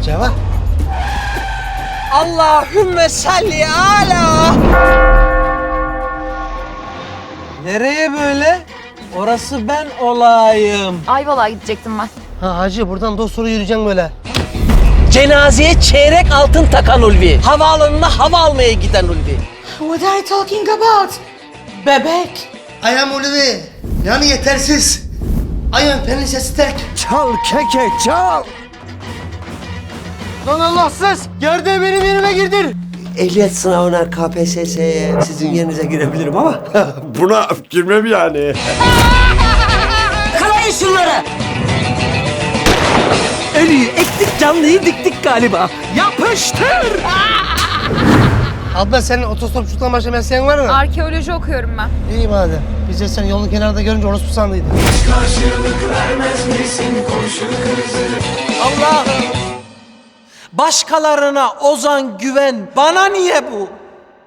Ceva. Allahümme salli ala. Nereye böyle? Orası ben olayım. Ayvalık'a gidecektim ben. Ha hacı buradan dosturu yürüyeceksin böyle. Cenazeye çeyrek altın takan Ulvi. Havaalanına hava almaya giden Ulvi. What are you talking about? Bebek. I am Ulvi. Yani yetersiz. I am Prenses Tek. Çal keke çal. Lan Allahsız. Gerdeği benim yerime girdin. Ehliyet sınavına KPSS'ye sizin yerinize girebilirim ama Buna girmem yani. Kalayın şunları. Ölüyü ektik, canlıyı diktik galiba. Yapıştır. Abla senin otostopçuluktan başka mesleğin var mı? Arkeoloji okuyorum ben. İyi madem. Biz de seni yolun kenarında görünce orospu sandıydık. Allah'ım. Başkalarına ozan güven bana niye bu?